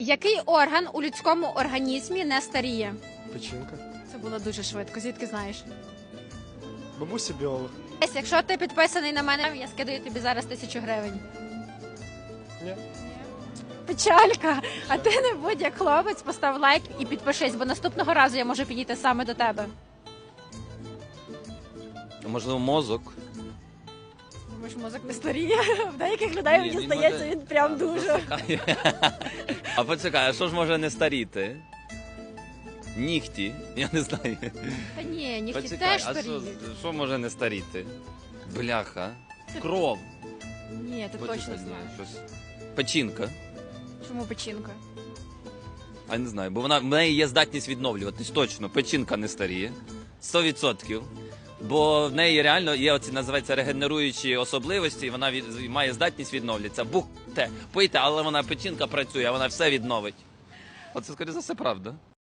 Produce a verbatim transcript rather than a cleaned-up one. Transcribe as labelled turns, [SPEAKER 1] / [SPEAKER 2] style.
[SPEAKER 1] Який орган у людському організмі не старіє?
[SPEAKER 2] Печінка.
[SPEAKER 1] Це було дуже швидко. Звідки знаєш?
[SPEAKER 2] Бабуся біолог.
[SPEAKER 1] Есь, Якщо ти підписаний на мене, я скидаю тобі зараз тисячу гривень.
[SPEAKER 2] Ні.
[SPEAKER 1] Печалька. А ти не будь як хлопець, постав лайк і підпишись, бо наступного разу я можу підійти саме до тебе.
[SPEAKER 3] Можливо, мозок.
[SPEAKER 1] Думаєш, мозок не старіє? В деяких людей,
[SPEAKER 3] Ні,
[SPEAKER 1] мені
[SPEAKER 3] він
[SPEAKER 1] здається,
[SPEAKER 3] може-
[SPEAKER 1] він прям дуже.
[SPEAKER 3] А почекай, а що ж може не старіти? Нігті? Я не знаю.
[SPEAKER 1] Та ні, нігті
[SPEAKER 3] Почекай,
[SPEAKER 1] теж
[SPEAKER 3] а що,
[SPEAKER 1] старіють.
[SPEAKER 3] що може не старіти? Бляха. Кров.
[SPEAKER 1] Ні, ти
[SPEAKER 3] Почекай,
[SPEAKER 1] точно
[SPEAKER 3] ні,
[SPEAKER 1] знаєш.
[SPEAKER 3] щось. Печінка.
[SPEAKER 1] Чому печінка?
[SPEAKER 3] А не знаю, бо вона в неї є здатність відновлюватись. Точно, печінка не старіє. сто відсотків. Бо в неї реально є оці, називаються, регенеруючі особливості, і вона від, має здатність відновлюватися. Бухте, пийте, але вона печінка працює, а вона все відновить. Оце, скоріше за все, правда.